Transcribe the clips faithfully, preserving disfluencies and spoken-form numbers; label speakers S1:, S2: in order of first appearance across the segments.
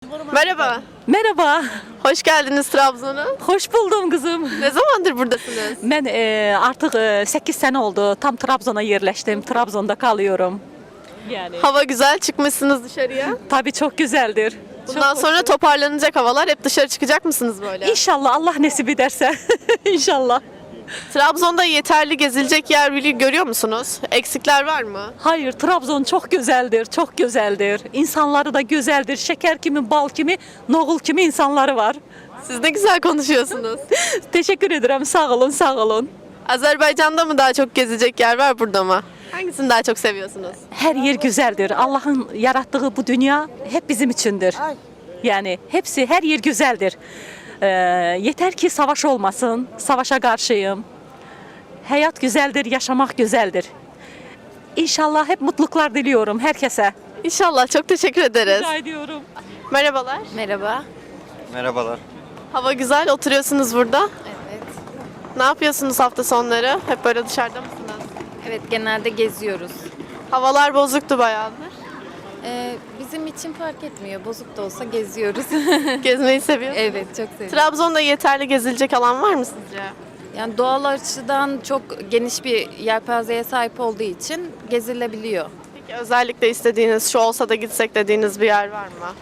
S1: Merhaba.
S2: Merhaba,
S1: Hoş geldiniz Trabzon'a.
S2: hoş buldum kızım.
S1: Ne zamandır buradasınız?
S2: Ben e, artık e, sekiz sene oldu. Tam Trabzon'a yerleştim. Trabzon'da kalıyorum. Yani
S1: Hava güzel, çıkmışsınız dışarıya.
S2: tabii çok güzeldir.
S1: Bundan
S2: Çok
S1: sonra
S2: hoş.
S1: toparlanacak havalar. Hep dışarı çıkacak mısınız böyle?
S2: İnşallah Allah nasip ederse. İnşallah.
S1: Trabzon'da yeterli gezilecek yer bili- görüyor musunuz? Eksikler var mı?
S2: Hayır, Trabzon çok güzeldir, çok güzeldir. İnsanları da güzeldir. Şeker kimi, bal kimi, nohul kimi insanları var.
S1: Siz ne güzel konuşuyorsunuz.
S2: Teşekkür ederim. Sağ olun, sağ olun.
S1: Azerbaycan'da mı daha çok gezecek yer var, burada mı? Hangisini daha çok seviyorsunuz?
S2: Her yer güzeldir. Allah'ın yarattığı bu dünya hep bizim içindir. Yani hepsi, her yer güzeldir. Ee, yeter ki savaş olmasın. Savaşa karşıyım. Hayat güzeldir, yaşamak güzeldir. İnşallah hep mutluluklar diliyorum herkese.
S1: İnşallah. Çok teşekkür ederiz.
S2: Rica ediyorum.
S1: Merhabalar.
S3: Merhaba.
S4: Merhabalar.
S1: Hava güzel. Oturuyorsunuz burada.
S3: Evet.
S1: Ne yapıyorsunuz hafta sonları? Hep böyle dışarıda mısınız?
S3: Evet, genelde geziyoruz.
S1: Havalar bozuktu bayağıdır.
S3: Ee, bizim için fark etmiyor. Bozuk da olsa geziyoruz.
S1: Gezmeyi seviyorsunuz.
S3: Evet, çok seviyorum.
S1: Trabzon'da yeterli gezilecek alan var mı sizce?
S3: Yani doğal açıdan çok geniş bir yelpazeye sahip olduğu için gezilebiliyor.
S1: Peki özellikle istediğiniz, şu olsa da gitsek dediğiniz bir yer var mı?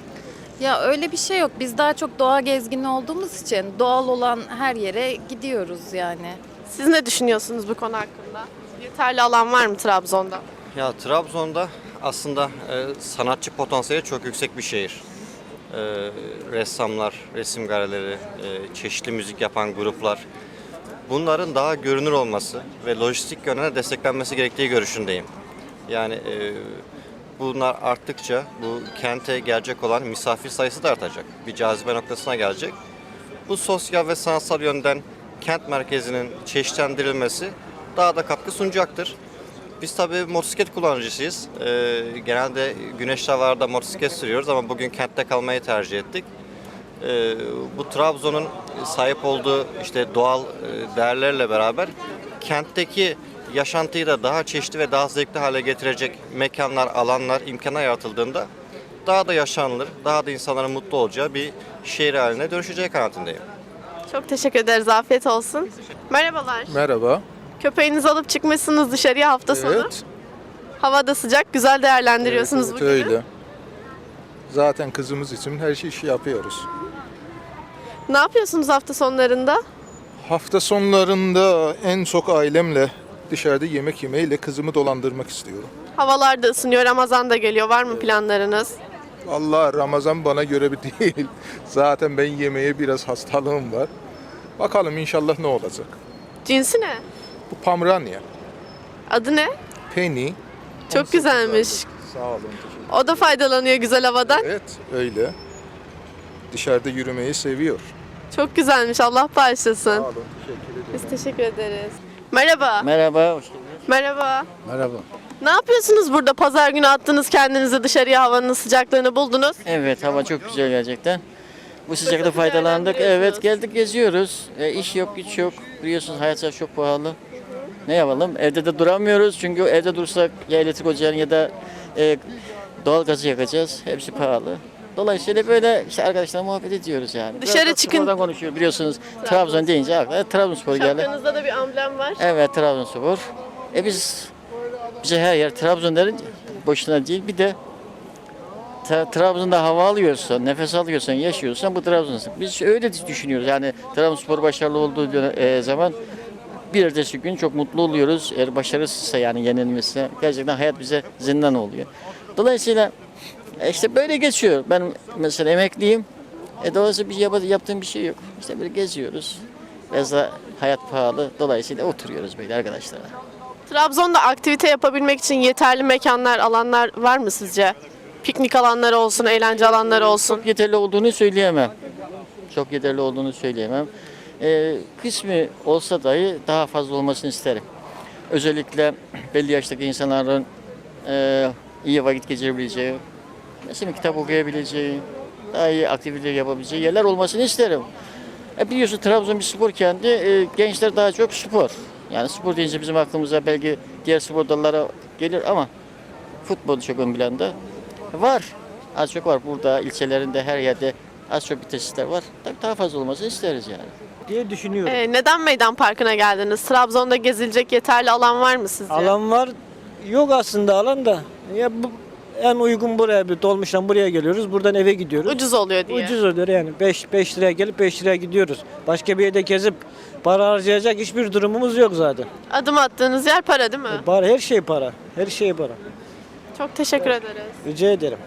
S3: Ya öyle bir şey yok. Biz daha çok doğa gezgini olduğumuz için doğal olan her yere gidiyoruz yani.
S1: Siz ne düşünüyorsunuz bu konu hakkında? Yeterli alan var mı Trabzon'da?
S4: Ya Trabzon'da aslında e, sanatçı potansiyeli çok yüksek bir şehir. E, ressamlar, resim galerileri, e, çeşitli müzik yapan gruplar. Bunların daha görünür olması ve lojistik yönden desteklenmesi gerektiği görüşündeyim. Yani e, bunlar arttıkça bu kente gelecek olan misafir sayısı da artacak. Bir cazibe noktasına gelecek. Bu sosyal ve sanatsal yönden kent merkezinin çeşitlendirilmesi daha da katkı sunacaktır. Biz tabii motosiklet kullanıcısıyız. Ee, genelde güneşli havalarda motosiklet sürüyoruz ama bugün kentte kalmayı tercih ettik. Ee, bu Trabzon'un sahip olduğu işte doğal e, değerlerle beraber kentteki yaşantıyı da daha çeşitli ve daha zevkli hale getirecek mekanlar, alanlar, imkanlar yaratıldığında daha da yaşanılır, daha da insanların mutlu olacağı bir şehir haline dönüşeceği kanaatindeyim.
S1: Çok teşekkür ederiz. Afiyet olsun. Merhabalar.
S5: Merhaba.
S1: Köpeğinizi alıp çıkmışsınız dışarıya hafta sonu.
S5: Evet.
S1: Hava da sıcak. Güzel değerlendiriyorsunuz
S5: evet,
S1: bugünü.
S5: öyle. Zaten kızımız için her şey işi yapıyoruz.
S1: Ne yapıyorsunuz hafta sonlarında?
S5: Hafta sonlarında en çok ailemle dışarıda yemek yemeyle kızımı dolandırmak istiyorum.
S1: Havalar da ısınıyor. Ramazan da geliyor. Var mı planlarınız?
S5: Vallahi Ramazan bana göre bir değil. Zaten ben yemeğe biraz hastalığım var. Bakalım inşallah ne olacak.
S1: Cinsi ne?
S5: Bu Pamranya.
S1: Adı ne?
S5: Penny.
S1: Çok güzelmiş.
S5: Sağ olun. teşekkür
S1: O da faydalanıyor güzel havadan.
S5: Evet öyle. Dışarıda yürümeyi seviyor.
S1: Çok güzelmiş. Allah bağışlasın.
S5: Sağ olun. Teşekkür ederim.
S1: Biz teşekkür ederiz. Merhaba.
S6: Merhaba, hoş geldiniz.
S1: Merhaba.
S6: Merhaba.
S1: Ne yapıyorsunuz burada? Pazar günü attınız kendinizi dışarıya, havanın sıcaklığını buldunuz.
S6: Evet, hava çok güzel gerçekten. Bu sıcakta
S1: Fırsatı
S6: faydalandık. Evet,
S1: değerlendiriyorsunuz.
S6: geldik geziyoruz. E, iş yok, güç yok. Biliyorsunuz hayat çok pahalı. Ne yapalım? Evde de duramıyoruz. Çünkü evde dursak ya elektrik ocağını ya da e, doğal gazı yakacağız. Hepsi pahalı. Dolayısıyla böyle işte arkadaşlarla muhabbet ediyoruz yani.
S1: Dışarı
S6: Biraz da
S1: çıkın.
S6: spordan konuşuyor biliyorsunuz. Trabzon deyince akla Trabzonspor geldi.
S1: Şapkanızda da bir amblem var.
S6: Evet, Trabzonspor. E biz bize her yer Trabzon derin boşuna değil. Bir de Tra- Trabzon'da hava alıyorsan, nefes alıyorsan, yaşıyorsan bu Trabzon'sun. Biz öyle düşünüyoruz. Yani Trabzonspor başarılı olduğu dönem- e, zaman bir ertesi gün çok mutlu oluyoruz. Eğer başarısızsa yani yenilmişse gerçekten hayat bize zindan oluyor. Dolayısıyla e, işte böyle geçiyor. Ben mesela emekliyim. E dolayısıyla bir yap- yaptığım bir şey yok. İşte böyle geziyoruz. Biraz da hayat pahalı. Dolayısıyla oturuyoruz böyle arkadaşlarla.
S1: Trabzon'da aktivite yapabilmek için yeterli mekanlar, alanlar var mı sizce? Piknik alanları olsun, eğlence alanları olsun.
S6: Çok yeterli olduğunu söyleyemem. Çok yeterli olduğunu söyleyemem. Ee, kısmı olsa dahi daha fazla olmasını isterim. Özellikle belli yaştaki insanların e, iyi vakit geçirebileceği, mesela kitap okuyabileceği, daha iyi aktiviteler yapabileceği yerler olmasını isterim. E biliyorsun Trabzon bir spor kenti, e, gençler daha çok spor. Yani spor deyince bizim aklımıza belki diğer spor dalları gelir ama futbol çok ön planda. Var Az çok var burada ilçelerinde her yerde az çok bir tesisler var. Tabii daha fazla olmasını isteriz yani.
S7: diye düşünüyorum.
S1: Ee, neden Meydan Parkı'na geldiniz? Trabzon'da gezilecek yeterli alan var mı sizce?
S7: Alan var. Yok aslında alan da. Ya bu en uygun buraya bir dolmuştan buraya geliyoruz. Buradan eve gidiyoruz.
S1: Ucuz oluyor diye.
S7: Ucuz oluyor yani. beş beş liraya gelip beş liraya gidiyoruz. Başka bir yerde gezip para harcayacak hiçbir durumumuz yok zaten.
S1: Adım attığınız yer para değil mi?
S7: Para, her şey para. Her şey para.
S1: Çok teşekkür ederiz.
S7: Rica ederim.